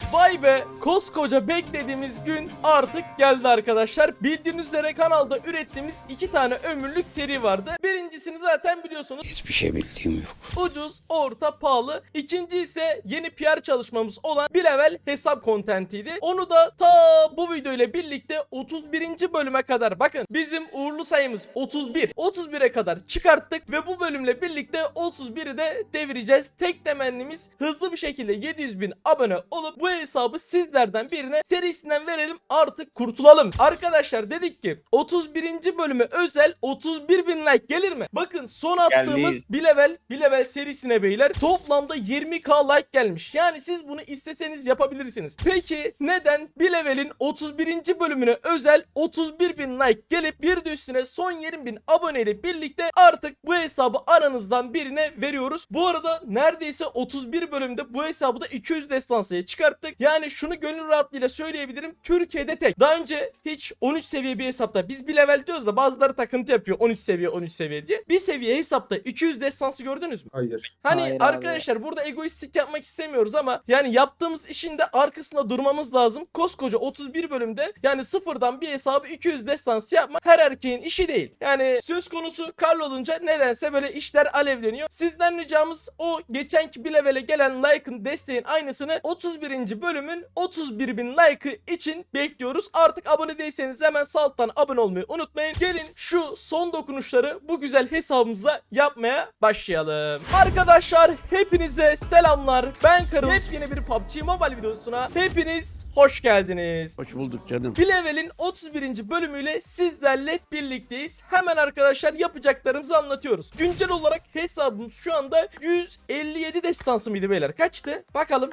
Vay be, koskoca beklediğimiz gün artık geldi arkadaşlar. Bildiğiniz üzere kanalda ürettiğimiz 2 tane ömürlük seri vardı. Birincisini zaten biliyorsunuz. Hiçbir şey bildiğim yok. Ucuz, orta, pahalı. İkinci ise yeni PR çalışmamız olan bir level hesap kontentiydi. Onu da ta bu video ile birlikte 31. bölüme kadar, bakın bizim uğurlu sayımız 31. 31'e kadar çıkarttık ve bu bölümle birlikte 31'i de devireceğiz. Tek temennimiz hızlı bir şekilde 700.000 abone olup bu hesabı sizlerden birine serisinden verelim, artık kurtulalım. Arkadaşlar dedik ki 31. bölüme özel 31.000 like gelir mi? Bakın son attığımız bir level serisine beyler toplamda 20k like gelmiş. Yani siz bunu isteseniz yapabilirsiniz. Peki neden bir levelin 31. bölümüne özel 31.000 like gelip bir de üstüne son 20.000 aboneyle birlikte artık bu hesabı aranızdan birine veriyoruz. Bu arada neredeyse 31 bölümde bu hesabı da 200 destansıya çıkarttık. Yani şunu gönül rahatlığıyla söyleyebilirim. Türkiye'de tek. Daha önce hiç 13 seviye bir hesapta, biz bir level diyoruz da bazıları takıntı yapıyor 13 seviye diye. Bir seviye hesapta 200 destansı gördünüz mü? Hayır. Hani Hayır arkadaşlar abi. burada egoistik yapmak istemiyoruz ama yani yaptığımız işin de arkasında durmamız lazım. Koskoca 31 bölümde yani sıfırdan bir hesabı 200 destansı yapmak her erkeğin işi değil. Yani söz konusu Karl olunca nedense böyle işler alevleniyor. Sizden ricamız o geçenki bir levele gelen like'ın, desteğin aynısını 31. bölümün 31.000 like'ı için bekliyoruz. Artık abone değilseniz hemen sağ alttan abone olmayı unutmayın. Gelin şu son dokunuşları bu güzel hesabımıza yapmaya başlayalım. Arkadaşlar hepinize selamlar. Ben Karıl. Yepyeni bir PUBG Mobile videosuna hepiniz hoş geldiniz. Hoş bulduk canım. Bir levelin 31. bölümüyle sizlerle birlikteyiz. Hemen arkadaşlar yapacaklarımızı anlatıyoruz. Güncel olarak hesabımız şu anda 157 destansı mıydı beyler? Kaçtı? Bakalım.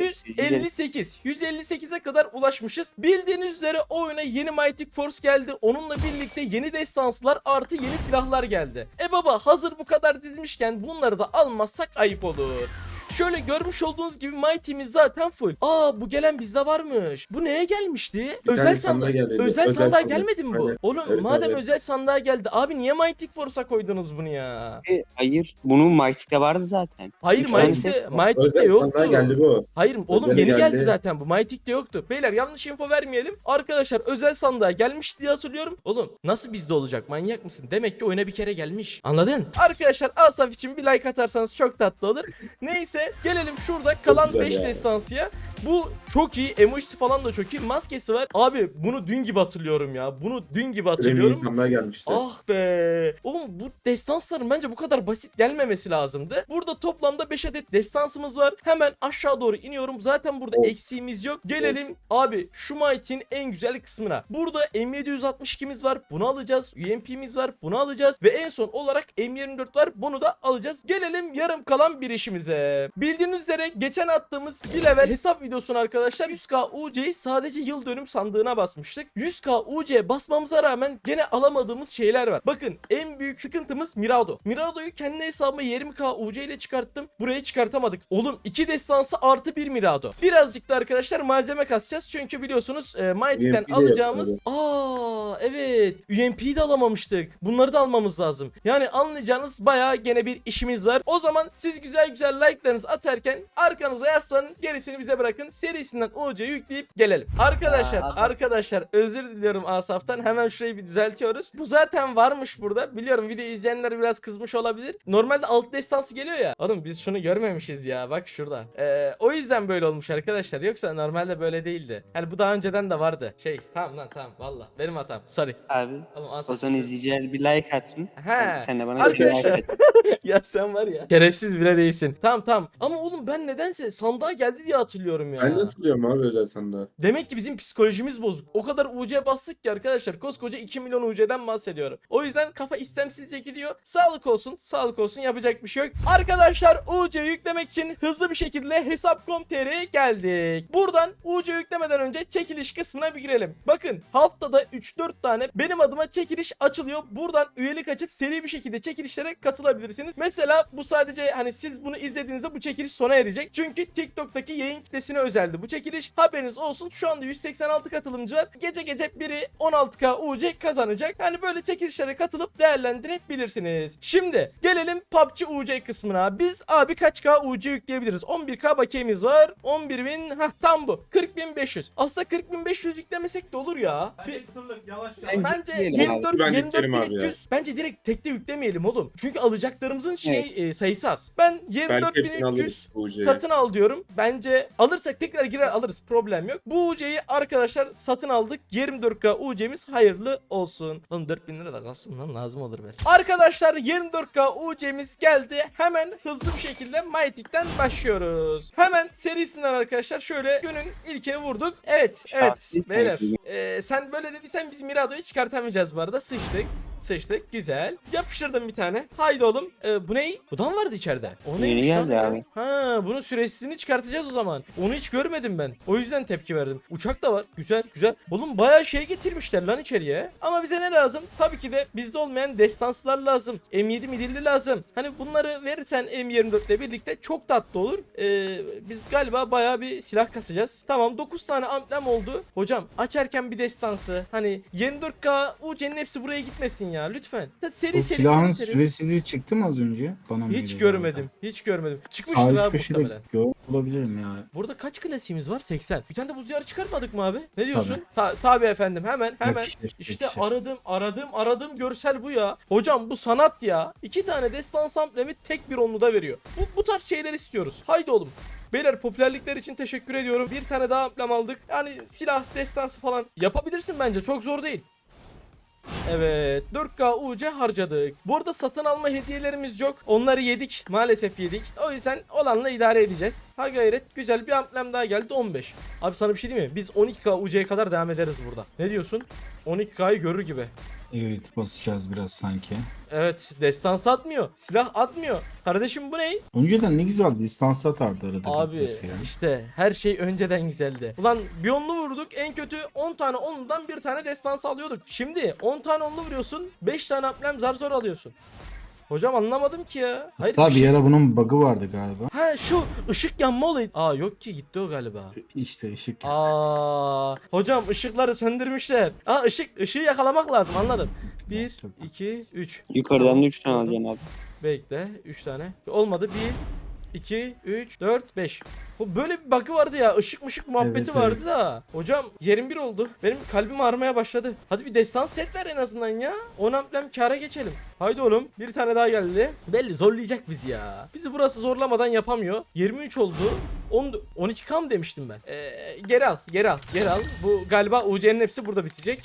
158. 158'e kadar ulaşmışız. Bildiğiniz üzere oyuna yeni Mighty Force geldi. Onunla birlikte yeni destanslar artı yeni silahlar geldi. Baba hazır bu kadar dizmişken bunları da almazsak ayıp olur. Şöyle görmüş olduğunuz gibi Mighty'miz zaten full. Bu gelen bizde varmış. Bu neye gelmişti? Bir Özel tane sandığa. sandığa geldi. Özel Özel sandığa sandık. gelmedi mi bu? Aynen. Oğlum Evet, madem evet. özel sandığa geldi. Abi niye Mighty Force'a koydunuz bunu ya? Hayır. Bunun Mighty'de vardı zaten. Hayır Üç tane Mighty'de set var. Mighty'de Özel yoktu. sandığa geldi bu. Hayır oğlum Özele yeni geldi geldi. zaten bu. Mighty'de yoktu. Beyler yanlış info vermeyelim. Arkadaşlar özel sandığa gelmiş diye hatırlıyorum. Oğlum nasıl bizde olacak? Manyak mısın? Demek ki oyuna bir kere gelmiş. Anladın? Arkadaşlar Asaf için bir like atarsanız çok tatlı olur. Neyse gelelim şurada kalan güzel 5 ya. destansıya. Bu çok iyi. Emojisi falan da çok iyi. Maskesi var. Abi bunu dün gibi hatırlıyorum ya. Bunu dün gibi Premium hatırlıyorum. sandığa gelmişti. Ah be. Oğlum bu destansların bence bu kadar basit gelmemesi lazımdı. Burada toplamda 5 adet destansımız var. Hemen aşağı doğru iniyorum. Zaten burada Of. eksiğimiz yok. Gelelim abi şu Mighty'nin en güzel kısmına. Burada M762'miz var. Bunu alacağız. UMP'miz var. Bunu alacağız. Ve en son olarak M24 var. Bunu da alacağız. Gelelim yarım kalan bir işimize. Bildiğiniz üzere geçen attığımız bir level hesap videosunu arkadaşlar 100k UC'yi sadece yıl dönüm sandığına basmıştık. 100k UC basmamıza rağmen gene alamadığımız şeyler var. Bakın en büyük sıkıntımız Mirado. Mirado'yu kendi hesabıma 20k UC ile çıkarttım. Buraya çıkartamadık. Oğlum 2 destansı artı 1 Mirado. Birazcık da arkadaşlar malzeme kasacağız. Çünkü biliyorsunuz Mighty'den UMP de alacağımız yapmadı. evet UMP'yi de alamamıştık. Bunları da almamız lazım. Yani anlayacağınız bayağı gene bir işimiz var. O zaman siz güzel like'larınızı atarken arkanıza yaslanın, gerisini bize bırakın. Serisinden UC yükleyip gelelim. Arkadaşlar özür diliyorum Asaf'tan. Hemen şurayı bir düzeltiyoruz. Bu zaten varmış burada. Biliyorum video izleyenler biraz kızmış olabilir. Normalde alt destansı geliyor ya. Oğlum biz şunu görmemişiz ya. Bak şurada. O yüzden böyle olmuş arkadaşlar. Yoksa normalde böyle değildi. Yani bu daha önceden de vardı. Tamam valla. Benim hatam. Sorry. Abi. Oğlum O Asaf. zaman izleyiciler bir like atsın. He. Sen de bana bir like Arkadaşlar. at. Ya sen var ya. Şerefsiz bile değilsin. Tamam. Ama oğlum ben nedense sandığa geldi diye hatırlıyorum ya. Ben de hatırlıyorum abi özel sandığa. Demek ki bizim psikolojimiz bozuk. O kadar UC bastık ki arkadaşlar. Koskoca 2 milyon UC'den bahsediyorum. O yüzden kafa istemsizce gidiyor. Sağlık olsun. Yapacak bir şey yok. Arkadaşlar UC yüklemek için hızlı bir şekilde hesap.com.tr'ye geldik. Buradan UC yüklemeden önce çekiliş kısmına bir girelim. Bakın haftada 3-4 tane benim adıma çekiliş açılıyor. Buradan üyelik açıp seri bir şekilde çekilişlere katılabilirsiniz. Mesela bu sadece hani siz bunu izlediğinizde bu çekiliş sona erecek. Çünkü TikTok'taki yayın kitlesini güne özeldi bu çekiliş. Haberiniz olsun. Şu anda 186 katılımcı var. Gece biri 16k UC kazanacak. Yani böyle çekilişlere katılıp değerlendirebilirsiniz. Şimdi gelelim PUBG UC kısmına. Biz abi kaç k UC yükleyebiliriz? 11k bakiyemiz var. 11.000 tam bu. 40.500. Aslında 40.500 yüklemesek de olur ya. Yavaş Bence Yükleyelim abi. 24 yükleyelim abi ya. 24.300. Bence direkt tekte yüklemeyelim oğlum. Çünkü alacaklarımızın sayısı az. Ben Belki hepsini 24.300 alırız bu UC'yi. satın al diyorum. Bence alırsak tekrar girer alırız. Problem yok. Bu UC'yi arkadaşlar satın aldık. 24k UC'miz hayırlı olsun. Oğlum 4000 lira da kalsın lan, lazım olur belki. Arkadaşlar 24k UC'miz geldi. Hemen hızlı bir şekilde Mytik'ten başlıyoruz. Hemen serisinden arkadaşlar şöyle günün ilkini vurduk. Evet Şahsi beyler. saygı. Sen böyle dediysen biz Mirado'yu çıkartamayacağız bu arada. Sıçtık. Güzel. Yapıştırdım bir tane. Haydi oğlum. Bu ne? Bu da mı vardı içeride? O Yeni neymiş lan geldi öyle? abi. Ha, bunun süresini çıkartacağız o zaman. Onu hiç görmedim ben. O yüzden tepki verdim. Uçak da var. Güzel. Oğlum bayağı şey getirmişler lan içeriye. Ama bize ne lazım? Tabii ki de bizde olmayan destanslar lazım. M7 midilli lazım. Hani bunları verirsen M24 ile birlikte çok tatlı olur. Biz galiba bayağı bir silah kasacağız. Tamam, 9 tane amblem oldu. Hocam açarken bir destansı. Hani 24k UC'nin hepsi buraya gitmesin ya lütfen. O silahın süresizliği çıktı mı az önce? Bana mı Hiç geliyor görmedim. Sağ Çıkmıştır üst abi köşede muhtemelen. olabilirim ya. Burada kaç klasiğimiz var? 80. Bir tane de buz diyarı çıkartmadık mı abi? Ne diyorsun? Tabii efendim, hemen. Yakışır, İşte yakışır. aradığım görsel bu ya. Hocam bu sanat ya. 2 tane destans amblemi tek bir onluda veriyor. Bu tarz şeyler istiyoruz. Haydi oğlum. Beyler popülerlikler için teşekkür ediyorum. Bir tane daha amblem aldık. Yani silah destansı falan yapabilirsin bence. Çok zor değil. Evet, 4K UC harcadık. Bu arada satın alma hediyelerimiz yok. Onları yedik. Maalesef yedik. O yüzden olanla idare edeceğiz. Ha gayret, güzel bir amblem daha geldi, 15. Abi sana bir şey diyeyim mi? Biz 12K UC'ye kadar devam ederiz burada. Ne diyorsun? 12K'yı görür gibi. Evet, basacağız biraz sanki. Evet, destans atmıyor. Silah atmıyor. Kardeşim bu ne? Önceden ne güzel distans atardı arada. Abi gitmesi ya. işte her şey önceden güzeldi. Ulan bir onlu vurduk, en kötü 10 tane onludan bir tane destans alıyorduk. Şimdi 10 tane onlu vuruyorsun, 5 tane amblem zar zor alıyorsun. Hocam anlamadım ki ya. Hayır Hatta bir bir şey... ara bunun bug'ı vardı galiba. Ha şu ışık yanma olayı. Aa yok ki, gitti o galiba. İşte ışık. Aa hocam ışıkları söndürmüşler. Aa ışığı yakalamak lazım, anladım. 1 Çok- 2 3. Yukarıdan da 3 tane alacaksın abi. Bekle, 3 tane. Olmadı. 1 2 3 4 5. Bu böyle bir bug'ı vardı ya. Işık muhabbeti Evet, vardı evet. da. Hocam yerim bir oldu. Benim kalbim ağrımaya başladı. Hadi bir destans set ver en azından ya. 10 amblem kâra geçelim. Haydi oğlum. Bir tane daha geldi. Belli zorlayacak bizi ya. Bizi burası zorlamadan yapamıyor. 23 oldu. 12 kam demiştim ben. Geri al. Bu galiba UC'nin hepsi burada bitecek.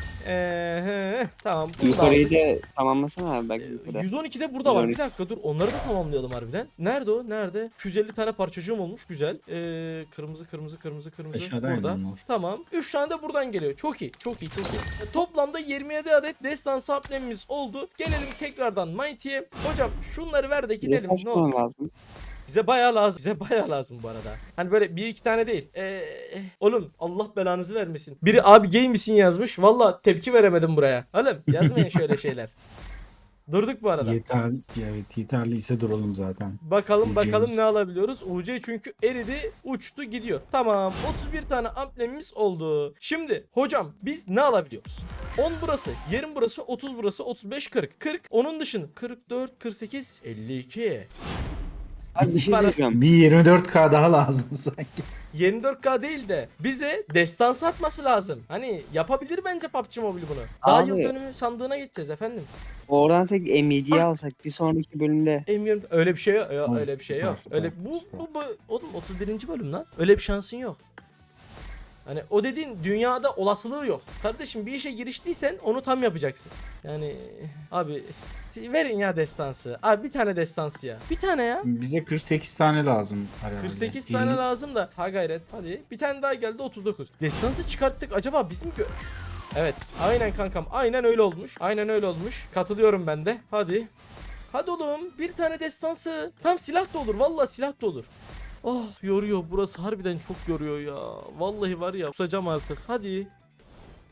Tamam. bunu da Yukarıyı aldık. da tamamlasana abi bak yukarı. 112'de burada var. Bir 112. dakika dur. Onları da tamamlayalım harbiden. Nerede o? Nerede? 250 tane parçacığım olmuş. Güzel. Kırmızı. Aşağıdaydı Burada. onlar. Tamam. 3 tane de buradan geliyor. Çok iyi. Toplamda 27 adet destans amblemimiz oldu. Gelelim tekrardan Mighty'ye. Hocam şunları ver de gidelim. Kaç Ne olur. tane lazım? Bize bayağı lazım bu arada. Hani böyle 1-2 tane değil. Oğlum Allah belanızı vermesin. Biri abi gay misin yazmış. Valla tepki veremedim buraya. Oğlum yazmayın şöyle şeyler. Durduk bu arada. Yeterliyse duralım zaten. Bakalım UC'miz. ne alabiliyoruz. UC çünkü eridi, uçtu gidiyor. Tamam, 31 tane amblemimiz oldu. Şimdi hocam biz ne alabiliyoruz? 10 burası, 20 burası, 30 burası, 35 40. 40 onun dışında 44 48 52. Abi bir şey Para- diyeceğim. Bir 24K daha lazım sanki. 24K değil de bize destan atması lazım. Hani yapabilir bence PUBG Mobile bunu. Daha Abi. yıl dönümü sandığına geçeceğiz efendim. Oradan tek M7'yi alsak bir sonraki bölümde. Emiyorum öyle bir şey yok. Oy, Öyle bir şey yok. süper, Öyle süper. bu oğlum 31. bölüm lan. Öyle bir şansın yok. Hani o dediğin dünyada olasılığı yok. Kardeşim bir işe giriştiysen onu tam yapacaksın. Yani abi verin ya destansı. Abi bir tane destansı ya. Bir tane ya. Bize 48 tane lazım herhalde. 48 tane lazım da. Ha gayret hadi. Bir tane daha geldi 39. Destansı çıkarttık, acaba biz mi Evet aynen kankam, aynen öyle olmuş. Katılıyorum ben de. Hadi oğlum bir tane destansı. Tam silah da olur, vallahi silah da olur. Oh yoruyor burası, harbiden çok yoruyor ya. Vallahi var ya kusacağım artık. Hadi. At.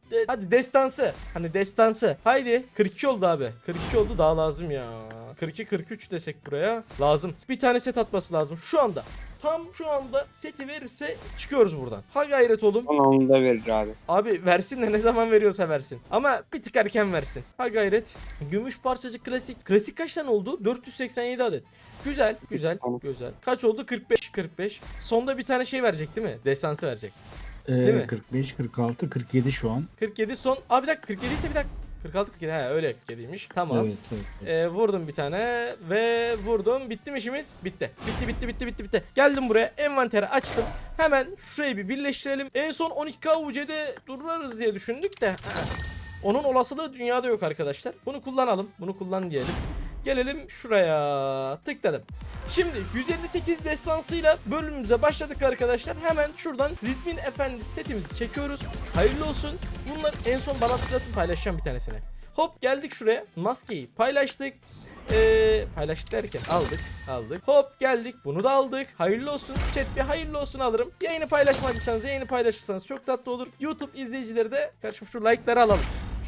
Hadi destansı. Hani destansı. Haydi. 42 oldu abi. 42 oldu, daha lazım ya. 42-43 desek buraya. Lazım. Bir tane set atması lazım. Şu anda. Tam şu anda seti verirse çıkıyoruz buradan. Ha gayret oğlum. Bana onu da verir abi. Abi versin de ne zaman veriyorsa versin. Ama bir tık erken versin. Ha gayret. Gümüş parçacık klasik. Klasik kaç tane oldu? 487 adet. Güzel, güzel, Tamam. güzel. Kaç oldu? 45. Sonda bir tane şey verecek değil mi? Destansı verecek. Değil mi? 45, 46, 47 şu an. 47 son. Abi bir dakika, 47 ise bir dakika. 46 47. He öyle 47'ymiş. Tamam. Evet. Vurdum bir tane ve vurdum. Bitti mi işimiz? Bitti. Bitti. Geldim buraya. Envanteri açtım. Hemen şurayı bir birleştirelim. En son 12K UC'de dururuz diye düşündük de. Onun olasılığı dünyada yok arkadaşlar. Bunu kullanalım. Bunu kullan diyelim. Gelelim şuraya. Tıkladım. Şimdi 158 destansıyla bölümümüze başladık arkadaşlar. Hemen şuradan Ritmin Efendi setimizi çekiyoruz. Hayırlı olsun. Bunlar en son bana tıklatın, paylaşacağım bir tanesini. Hop geldik şuraya. Maskeyi paylaştık. Paylaştık derken aldık. Hop geldik. Bunu da aldık. Hayırlı olsun. Chat bir hayırlı olsun alırım. Yayını paylaşmadıysanız, yayını paylaşırsanız çok tatlı olur. YouTube izleyicileri de karşım şu like'ları alalım.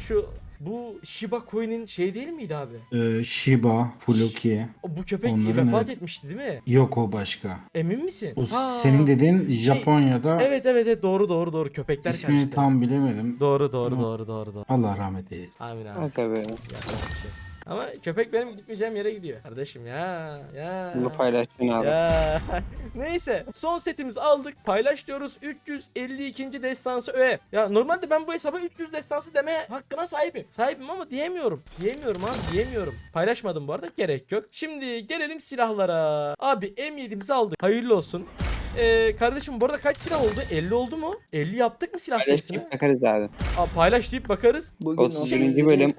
Bu Shiba Coin'in şey değil miydi abi? Shiba, Fluki. Bu köpek Onların vefat evet. etmişti değil mi? Yok, o başka. Emin misin? O Ha. senin dediğin Japonya'da Evet doğru köpekler ismini karıştı. tam bilemedim. Doğru. Allah rahmet eylesin. Amin abi. Ha tabii. Yapacak bir şey. Ama köpek benim gitmeyeceğim yere gidiyor. Kardeşim ya. Bunu paylaştın abi. Ya. Neyse son setimizi aldık. Paylaş diyoruz. 352. destansı öğe. Ya normalde ben bu hesaba 300 destansı demeye hakkına sahibim. Sahibim ama diyemiyorum. Diyemiyorum. Paylaşmadım bu arada. Gerek yok. Şimdi gelelim silahlara. Abi M7'mizi aldık. Hayırlı olsun. Kardeşim bu arada kaç silah oldu? 50 oldu mu? 50 yaptık mı silah sayısını? Paylaşıp bakarız abi. Paylaş deyip bakarız. Bugün 31. bölüm,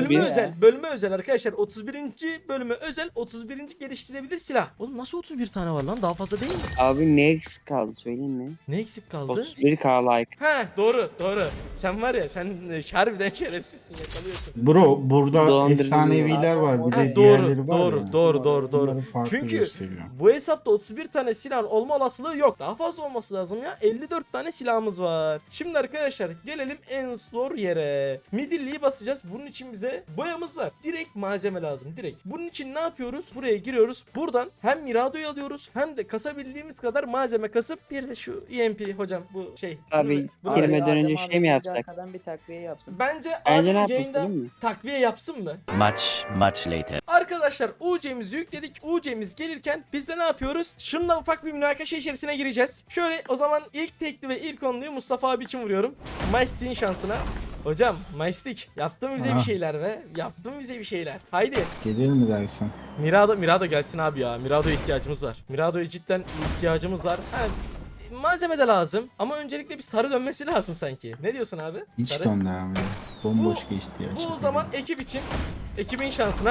31. Bölüme özel arkadaşlar. 31. bölüme özel 31. geliştirebilir silah. Oğlum nasıl 31 tane var lan? Daha fazla değil mi? Abi ne eksik kaldı söyleyeyim mi? Ne eksik kaldı? 31K like. Ha doğru. Sen var ya, sen harbiden şerefsizsin, yakalıyorsun. Bro, burada Dolandırıcı efsaneviler var. Bir Ha, de diğerleri var doğru, ya. doğru. Onları farklı Çünkü gösteriyor. bu hesapta 31 tane silahın olma olasılığı yok. Daha fazla olması lazım ya. 54 tane silahımız var. Şimdi arkadaşlar gelelim en zor yere. Midilliyi basacağız. Bunun için bize boyamız var. Direkt malzeme lazım. Direkt. Bunun için ne yapıyoruz? Buraya giriyoruz. Buradan hem Mirado'yu alıyoruz hem de kasabildiğimiz kadar malzeme kasıp bir de şu EMP hocam bu şey. Abi bunu- girmeden önce şey mi yapsak? Arkadan bir takviye yapsın. Bence Bence ne Adem yapalım yayında değil mi? takviye yapsın mı? Much later. Arkadaşlar UC'mizi yükledik. UC'miz gelirken biz de ne yapıyoruz? Şununla ufak bir münakaşa içerisine gireceğiz. Şöyle o zaman ilk tekli ve ilk onluyu Mustafa abi için vuruyorum. Maistik'in şansına. Hocam Maistik yaptın bize bir Aha. şeyler be. Yaptın bize bir şeyler. Haydi. Gelir mi dersin? Mirado gelsin abi ya. Mirado'ya ihtiyacımız var. Mirado'ya cidden ihtiyacımız var. Ha, malzeme de lazım ama öncelikle bir sarı dönmesi lazım sanki. Ne diyorsun abi? Hiç Sarı. döndü abi. Bomboş geçti ya. Bu o Şaka zaman gibi. ekip için, ekibin şansına.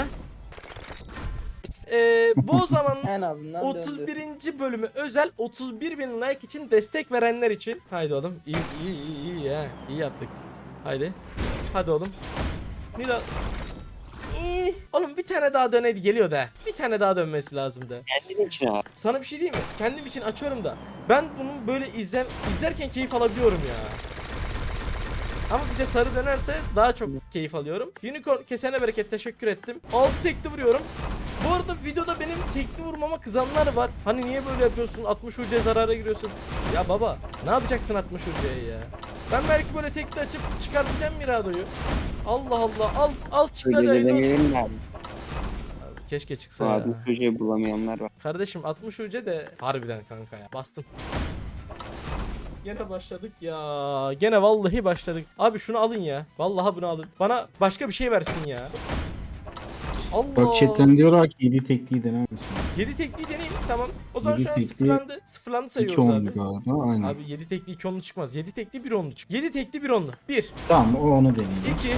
Bu o zaman En azından 31. bölümü özel 31.000 like için destek verenler için. Haydi oğlum. İyi ya. İyi yaptık. Haydi. Hadi oğlum. Mira. İyi. Oğlum bir tane daha döneydi, geliyor da. Bir tane daha dönmesi lazımdı. Kendin için abi. Sana bir şey diyeyim mi? Kendim için açıyorum da. Ben bunu böyle izlerken keyif alabiliyorum ya. Ama bir de sarı dönerse daha çok keyif alıyorum. Unicorn kesene bereket, teşekkür ettim. 6 tekli vuruyorum. Bu arada videoda benim tekli vurmama kızanlar var. Hani niye böyle yapıyorsun? 60 UC zarara giriyorsun. Ya baba ne yapacaksın 60 UC'ye ya? Ben belki böyle tekli açıp çıkartacağım Mirado'yu. Allah Allah, al çıktı, hadi Öyle hayırlı olsun. demeyelim de abi. Keşke çıksa ya. Abi çocuğu bulamayanlar var. Kardeşim 60 UC de harbiden kanka ya. Bastım. Gene başladık ya. Gene vallahi başladık. Abi şunu alın ya. Vallahi bunu alın. Bana başka bir şey versin ya. Allah. Bak chatten diyorlar ki 7 tekliği dener misin? 7 tekliği deneyim. Tamam. O zaman Yedi şu an tekli, sıfırlandı. Sıfırlandı 2 sayıyoruz onlu abi. galiba, aynen. Abi 7 tekli 2 onlu çıkmaz. 7 tekli 1 onlu çık. 7 tekli 1 onlu. 1, Tamam, onu deneyelim. 2, 3,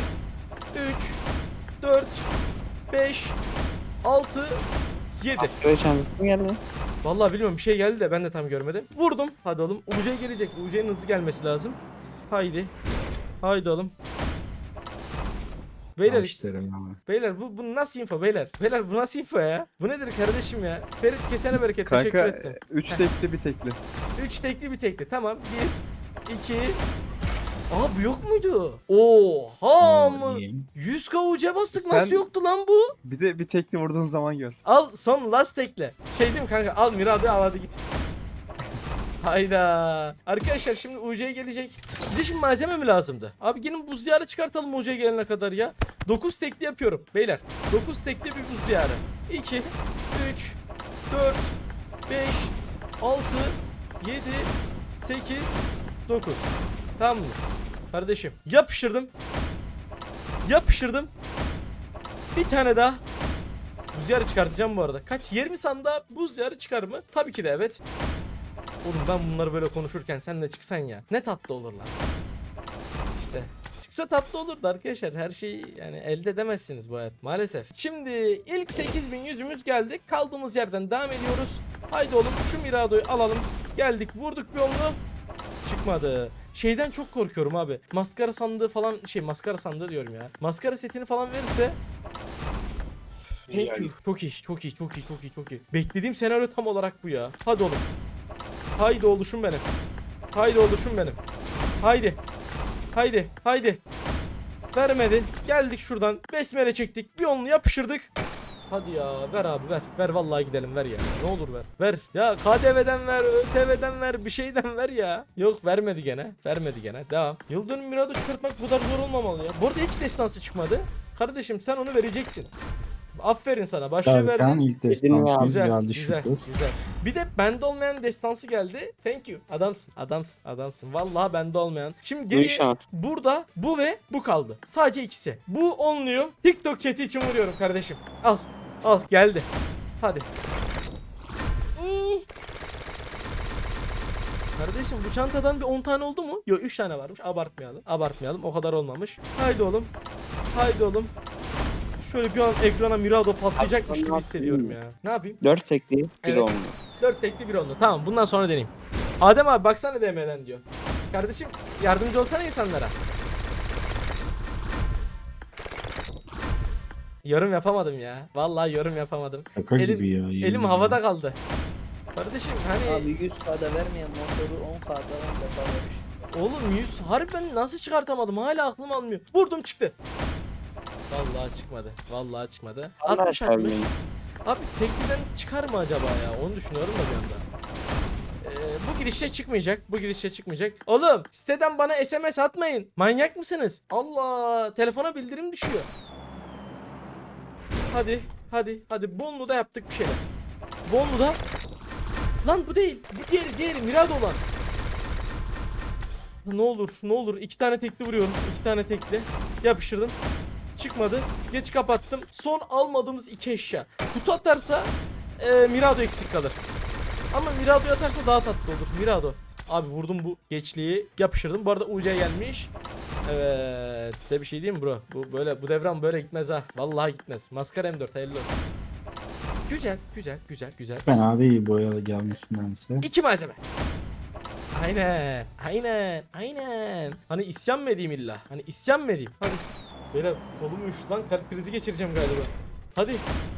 4, 5, 6, 7. Askere şansı mı geldi? Vallahi bilmiyorum, bir şey geldi de ben de tam görmedim. Vurdum. Hadi oğlum. UC gelecek. UC'nin hızlı gelmesi lazım. Haydi. Haydi oğlum. Beyler, Başlarım abi. beyler bu nasıl info beyler? Beyler bu nasıl info ya? Bu nedir kardeşim ya? Ferit kesene bereket, teşekkür Kanka ettim. 3 tekli bir tekli. 3 tekli bir tekli. Tamam. 1, 2, Aa bu yok muydu? Oha mı? iyi. 100k uca bastık Sen- nasıl yoktu lan bu? Bir de bir tekli vurduğun zaman gör. Al son last tekle. Şey değil mi kanka? Al Mirado'yu al hadi git. Hayda. Arkadaşlar şimdi UC'ye gelecek. Bize şimdi malzeme mi lazımdı? Abi gelin buz diyarı çıkartalım UC'ye gelene kadar ya. 9 tekli yapıyorum beyler. 9 tekli bir buz diyarı. 2, 3, 4, 5, 6, 7, 8, 9. Tamam mı? Kardeşim yapıştırdım. Yapıştırdım. Bir tane daha. Buz diyarı çıkartacağım bu arada. Kaç? 20 sanda buz diyarı çıkar mı? Tabii ki de evet. Oğlum ben bunları böyle konuşurken sen de çıksan ya. Ne tatlı olur lan. İşte. Çıksa tatlı olurdu arkadaşlar. Her şeyi yani elde edemezsiniz bu hayat maalesef. Şimdi ilk 8000 yüzümüz geldi. Kaldığımız yerden devam ediyoruz. Haydi oğlum şu Mirado'yu alalım. Geldik vurduk bir onu. Çıkmadı. Şeyden çok korkuyorum abi. Maskara sandığı falan maskara sandığı diyorum ya. Maskara setini falan verirse thank you. Çok iyi, çok iyi, çok iyi, çok iyi, çok iyi. Beklediğim senaryo tam olarak bu ya. Hadi oğlum. Haydi oluşum benim. Haydi oluşum benim. Haydi. Haydi. Haydi. Vermedi. Geldik şuradan. Besmele çektik. Bir onlu yapıştırdık. Hadi ya ver abi ver. Ver vallahi gidelim ver ya. Ne olur ver. Ver. Ya KDV'den ver, ÖTV'den ver, bir şeyden ver ya. Yok vermedi gene. Vermedi gene. Devam. Yıl dönümü Mirado çıkartmak bu kadar zor olmamalı ya. Bu arada hiç destansı çıkmadı. Kardeşim sen onu vereceksin. Aferin sana. Başlığı Derken verdin. ilk destansımız Güzel, geldi güzel, şükür. güzel. Bir de bende olmayan destansı geldi. Thank you. Adamsın, adamsın, adamsın. Vallahi bende olmayan. Şimdi Bu geriye şans. burada bu ve bu kaldı. Sadece ikisi. Bu onluyor. TikTok chat'i için vuruyorum kardeşim. Al, al geldi. Hadi. İyi. Kardeşim bu çantadan bir 10 tane oldu mu? Yok 3 tane varmış. Abartmayalım. Abartmayalım. O kadar olmamış. Haydi oğlum. Haydi oğlum. Şöyle bir an ekrana Mirado patlayacakmış gibi hissediyorum ya. Ne yapayım? 4 tekli 1 Evet. oldu. 4 tekli bir onlu. Tamam bundan sonra deneyeyim. Adem abi baksana DM'den diyor. Kardeşim yardımcı olsana insanlara. Yorum yapamadım ya. Vallahi yorum yapamadım. Şaka Elim- gibi ya. yemin Elim ederim. havada kaldı. Kardeşim hani Abi 100K'da vermeyen motoru 10K'da 10 defa vermiş. oğlum 100 harbiden nasıl çıkartamadım hala aklım almıyor. Vurdum çıktı. Vallahi çıkmadı. Vallahi çıkmadı. 60 atmış. Abi tekliden çıkar mı acaba ya? Onu düşünüyorum da bir anda. Bu girişte çıkmayacak. Bu girişte çıkmayacak. Oğlum siteden bana SMS atmayın. Manyak mısınız? Allah telefona bildirim düşüyor. Hadi hadi hadi Bonlu da yaptık bir şeyler. Bonlu da. Lan bu değil. Bu diğeri Mirado olan. Ne olur ne olur 2 tane tekli vuruyorum. 2 tane tekli. Yapıştırdım. Çıkmadı. Geç kapattım. Son almadığımız 2 eşya. Kutu atarsa Mirado eksik kalır. Ama Mirado'yu atarsa daha tatlı olur. Mirado. Abi vurdum bu geçliği. Yapıştırdım. Bu arada UC gelmiş. Evet. Size bir şey diyeyim mi bro? Bu devran böyle gitmez ha. Vallahi gitmez. Maskara M4 hayırlı olsun. Güzel, güzel, güzel, güzel. Fena değil boyalı gelmesindense. 2 malzeme. Aynen. Aynen. Aynen. Hani isyan mı edeyim illa? Hani isyan mı edeyim? Hadi. Beyler kolum uyuştu lan. Kalp krizi geçireceğim galiba. Hadi.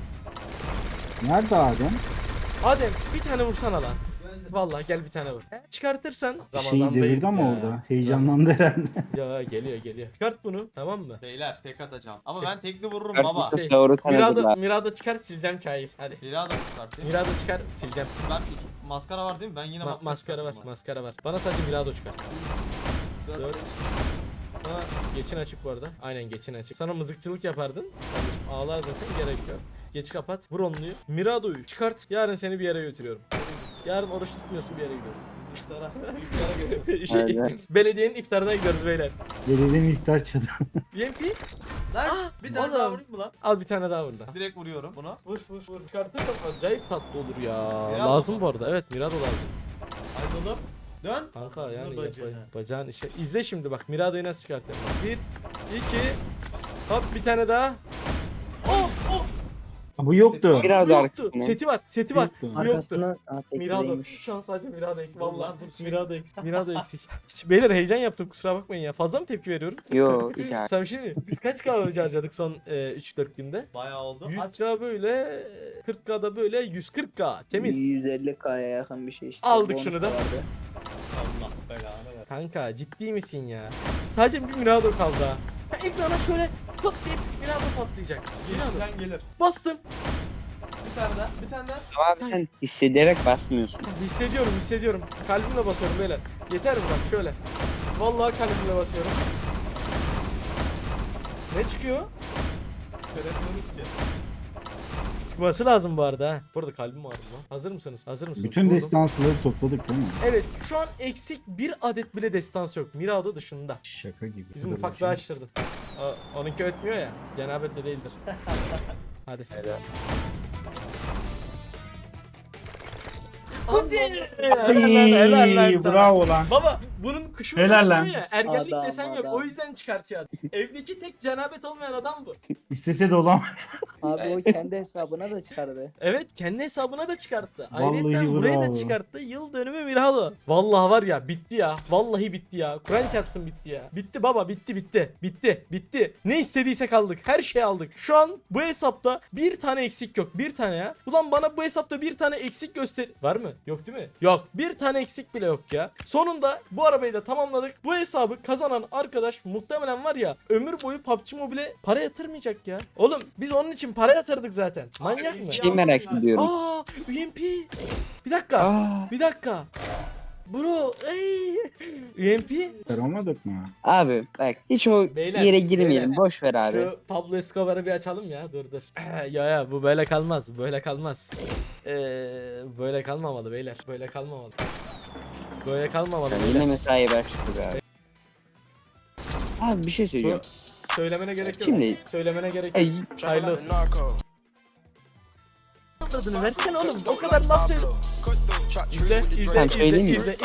Nerede Adem? Adem bir tane vursana lan. Vallahi gel bir tane vur. Çıkartırsan Bir şey devirdi Ramazan'dayız ama ya. orada. Heyecanlandı herhalde. Ya geliyor. Çıkart bunu tamam mı? Beyler tek atacağım. Ama Şey- ben tekli vururum Dört baba. kutu Şey, doğru tanıdılar. Mirado çıkar sileceğim çayır. Hadi. Mirado çıkartayım. Mirado çıkar sileceğim. Ben maskara var değil mi? Ben yine Maskara var. çıkarttım Maskara var. Bana sadece Mirado çıkart. bak. Dört. Ha, geçin açık bu arada. Aynen geçin açık. Sana mızıkçılık yapardın. Kardeşim ağlardın sen gerek yok. Geç kapat. Vur onluyu. Mirado'yu çıkart. Yarın seni bir yere götürüyorum. Yarın oruç tutmuyorsun bir yere gidiyoruz. İftara. İftara gidiyoruz. Belediyenin iftarına gidiyoruz beyler. Belediyenin iftar çadı. BMP. Lan bir tane daha oğlum. vurayım mı lan? Al bir tane daha vur lan. Direkt vuruyorum bunu. Vur. Çıkartırsan acayip tatlı olur ya. Mirado lazım mu? bu arada. Evet Mirado lazım. Haydi oğlum. Dön. Kanka yani Dur bacağına. bacağın işe. İzle şimdi bak Mirado'yu nasıl çıkartıyorum. 1 2 hop bir tane daha. Oh! Bu yoktu. Biraz Bu yoktu. arkasına. Seti var. Yoktu. Bu yoktu. Arkasına Mirado. tekliymiş. Şu an sadece Mirado eksik. Dur lan, Vallahi dur. Mirado eksik. Mirado eksik. Hiç beyler heyecan yaptım kusura bakmayın ya. Fazla mı tepki veriyorum? Yo hiç abi. Sen şimdi biz kaç kahve harcadık son 3-4 günde? Bayağı oldu. Aç. 100k böyle 40k'da böyle 140k temiz. 150K'ya yakın bir şey işte. Aldık Bonus şunu da. vardı. Allah belanı ver. Kanka ciddi misin ya? Sadece bir Mirado kaldı ha. Ben ekrana şöyle patlayıp Mirado patlayacak. Mirado. Geriden gelir. Bastım. Bir tane daha. Bir tane daha. Ama abi sen hissederek basmıyorsun. Hissediyorum. Kalbimle basıyorum beyler. Yeter mi bak şöyle. Vallahi kalbimle basıyorum. Ne çıkıyor? Göremiyoruz ki. Çıkması lazım bu arada ha. Bu arada kalbim ağrıdı lan. Hazır mısınız? Hazır mısınız? Bütün Vurdum. destansları topladık değil mi? Evet şu an eksik bir adet bile destans yok. Mirado dışında. Şaka gibi. Bizim Dur ufaklığı bakayım. açtırdın. Onunki ötmüyor ya. Cenabetle değildir. Hadi. Hadi. Helal lan sana. Bravo lan. Baba bunun kuşu Helal lan. ya. Ergenlik Adam, desen yok. adam. O yüzden çıkartıyor. Evdeki tek cenabet olmayan adam bu. İstese de olamaz. Abi o kendi hesabına da çıkardı. Evet kendi hesabına da çıkarttı. Vallahi Ayrıca buraya da bravo. çıkarttı. Yıl dönümü Mirado. Vallahi var ya bitti ya. Vallahi bitti ya. Kur'an çarpsın bitti ya. Bitti baba bitti. Ne istediysek aldık. Her şeyi aldık. Şu an bu hesapta bir tane eksik yok. Bir tane ya. Ulan bana bu hesapta bir tane eksik göster. Var mı? Yok değil mi? Yok. Bir tane eksik bile yok ya. Sonunda bu arabayı da tamamladık. Bu hesabı kazanan arkadaş muhtemelen var ya ömür boyu PUBG Mobile'e para yatırmayacak ya. Oğlum biz onun için para yatırdık zaten. Manyak mı? Şey merak ediyorum. Aa, UMP. Bir dakika. Aa, Bir dakika. Bro, ey. UMP. Olmadık mı? abi bak hiç o Beyler, yere girmeyelim. beyler. Boş ver abi. Şu Pablo Escobar'ı bir açalım ya. Dur. Ya bu böyle kalmaz. Böyle kalmaz. Böyle kalmamalı beyler. Böyle kalmamalı. Böyle kalmamalı Yani beyler. yine mesai başladı abi. Abi bir şey söyleyeceğim. Söylemene gerek yok. Şimdi- Söylemene gerek yok. Ay, Hayırlı olsun. Adını versene oğlum. O kadar laf söyle. İzle. Ben söyleyeyim mi? izle.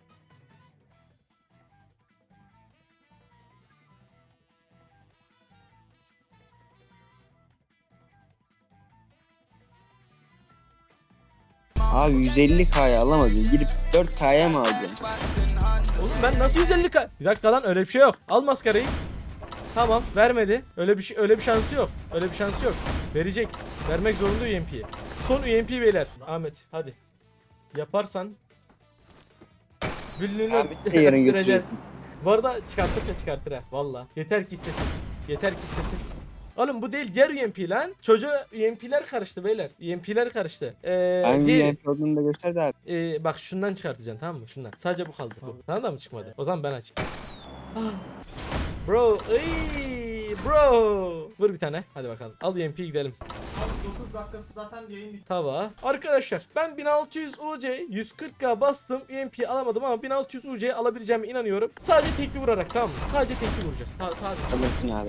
abi 150K'ya alamadın. Gidip 4K'ya mı alacaksın? Oğlum ben nasıl 150K? Bir dakika lan öyle bir şey yok. Al maskarayı. Tamam vermedi. Öyle bir şansı yok. Öyle bir şansı yok. Verecek. Vermek zorunda UMP'ye. Son UMP beyler. Ahmet hadi. Yaparsan Büllüğünü Abi de yarın öttüreceğiz. götürüyorsun. Bu arada çıkartırsa çıkartır ha. Valla. Yeter ki istesin. Oğlum bu değil diğer UMP lan. Çocuğa UMP'ler karıştı beyler. UMP'ler karıştı. Hangi Diğeri. yer olduğunu da gösterdi abi. Bak şundan çıkartacaksın tamam mı? Şundan. Sadece bu kaldı. Bu. Sana da mı çıkmadı? O zaman ben açayım. Ah. Bro, bro. Vur bir tane. Hadi bakalım. Al UMP gidelim. Abi 9 dakikası zaten yayın bitti. Tava. Arkadaşlar ben 1600 UC 140K bastım. UMP alamadım ama 1600 UC'ye alabileceğime inanıyorum. Sadece tekli vurarak tamam mı? Sadece tekli vuracağız. Sadece. Alırsın abi.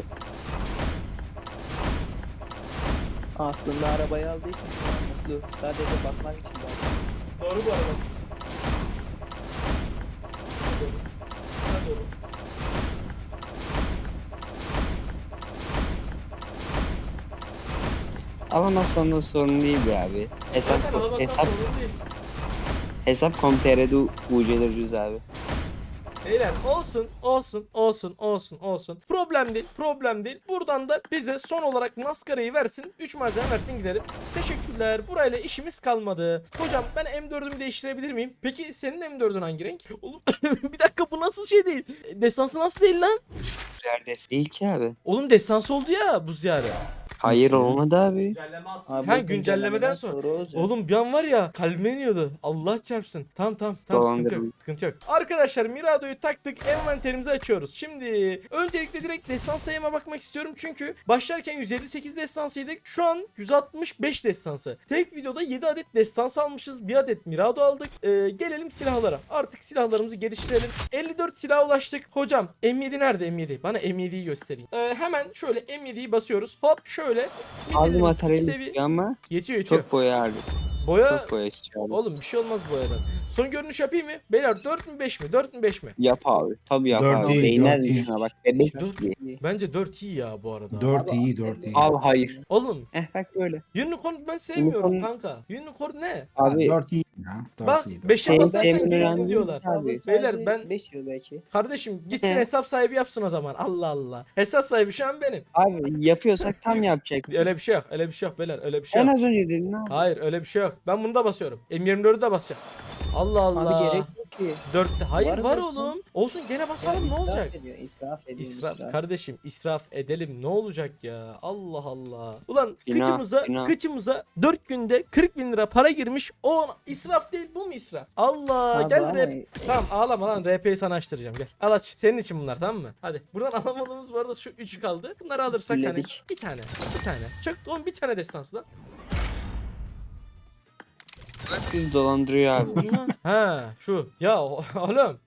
Aslında arabayı aldığı için şu an mutlu. Sadece bakmak için belki. Doğru bu arada. Doğru. Alamazsan da sorun değil be abi. Zaten alamazsan sorun değil. Hesap.com.tr'de UC'ler ucuz abi. Beyler olsun. Problem değil. Buradan da bize son olarak maskarayı versin. 3 malzeme versin gidelim. Teşekkürler. Burayla işimiz kalmadı. Hocam ben M4'ümü değiştirebilir miyim? Peki senin M4'ün hangi renk? Oğlum bir dakika bu nasıl şey değil? Destansı nasıl değil lan? Neredeyse. Değil ki abi. Oğlum destansı oldu ya bu ziyare. Hayır Nasıl? olmadı abi. Güncelleme attı. Abi Ha, o güncellemeden sonra. olacak. Oğlum bir an var ya kalbime iniyordu. Allah çarpsın. Tamam sıkıntı yok. Dolandırıldı. Sıkıntı yok. Arkadaşlar Mirado'yu taktık. Envanterimizi açıyoruz. Şimdi öncelikle direkt destans sayıma bakmak istiyorum. Çünkü başlarken 158 destansıydık. Şu an 165 destansı. Tek videoda 7 adet destans almışız. 1 adet Mirado aldık. Gelelim silahlara. Artık silahlarımızı geliştirelim. 54 silaha ulaştık. Hocam M7 nerede M7? Bana M7'yi göstereyim. Hemen şöyle M7'yi basıyoruz. Hop şöyle. Aldım Midilimiz materyali seviye- istiyor ama Yetiyor. çok boya harcıyor. Boya Çok boya istiyor abi. oğlum bir şey olmaz boyadan. Son görünüş yapayım mı? Beyler 4 mü 5 mi? 4 mü 5 mi? Yap abi. Tabii yap Dört abi. iyi, Değiner dört iyi. şuna bak. Bebek Dört gibi. Bence 4 iyi ya bu arada. 4 iyi 4 iyi. Al hayır. Oğlum Bak böyle. unicorn ben sevmiyorum Unicorn- kanka. Unicorn ne? Abi 4 iyi ya. 4 Bak iyi. 5'e Şey, basarsan sevmeyen gelsin değil diyorlar. abi. Beyler ben 5 yıl belki. kardeşim gitsin He. hesap sahibi yapsın o zaman. Allah Allah. Hesap sahibi şu an benim. abi yapıyorsak tam yapacak. Öyle bir şey yok. Öyle bir şey yok beyler. Öyle bir şey En yok. az önce dedin abi. Hayır öyle bir şey yok. Ben bunu da basıyorum. M24'ü de basacağım. Allah Allah. Abi gerek yok ki. 4'te. Hayır var, zaten. oğlum. Olsun gene basalım ne İsraf olacak? ediyor, İsraf ediyor. İsraf kardeşim, israf edelim ne olacak ya? Allah Allah. Ulan Günah. kıçımıza 4 günde 40.000 lira para girmiş. O israf değil, bu mu israf? Allah, Abi gel ama- RP. Tamam ağlama lan, RP'yi sana açtıracağım, gel. Al aç. Senin için bunlar, tamam mı? Hadi. Buradan alamadığımız bu arada şu 3 kaldı. Bunları alırsak hani Fulledik. bir tane. Çok oğlum, bir tane destansı lan. Siz dolandırıyor abi. Bunlar- Ha şu. Ya oğlum.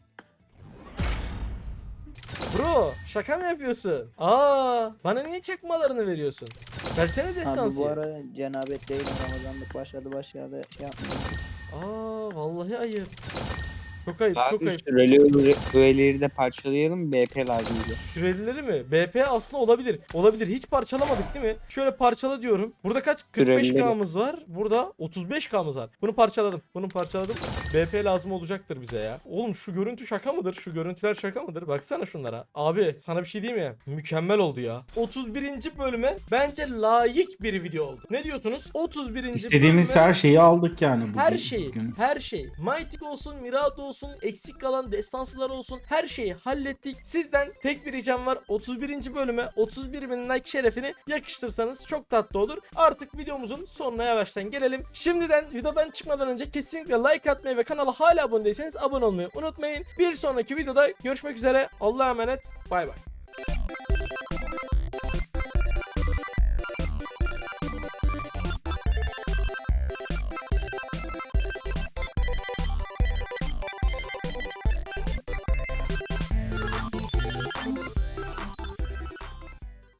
Bro şaka mı yapıyorsun? Bana niye çakmalarını veriyorsun? Versene Abi destansı. bu ara cenabet değil, Ramazanlık başladı şey yapmıyor. Vallahi ayıp. Çok ayıp, çok Abi ayıp. süreli öğeleri de parçalayalım. BP lazım bize. Sürelileri mi? BP aslında olabilir. Olabilir. Hiç parçalamadık değil mi? Şöyle parçala diyorum. Burada kaç? 45K'mız var. Burada 35K'mız var. Bunu parçaladım. Bunu parçaladım. BP lazım olacaktır bize ya. Oğlum şu görüntü şaka mıdır? Şu görüntüler şaka mıdır? Baksana şunlara. Abi sana bir şey diyeyim mi? Mükemmel oldu ya. 31. bölüme bence layık bir video oldu. Ne diyorsunuz? 31. İstediğimiz bölüme her şeyi aldık yani bugün. her şeyi, bugün. her şey. Mythic olsun, Mirado olsun, eksik kalan destansılar olsun, her şeyi hallettik. Sizden tek bir ricam var. 31. bölüme 31.000 like şerefini yakıştırsanız çok tatlı olur. Artık videomuzun sonuna yavaştan gelelim. Şimdiden videodan çıkmadan önce kesinlikle like atmayı ve kanala hala abone değilseniz abone olmayı unutmayın. Bir sonraki videoda görüşmek üzere. Allah'a emanet. Bay bay.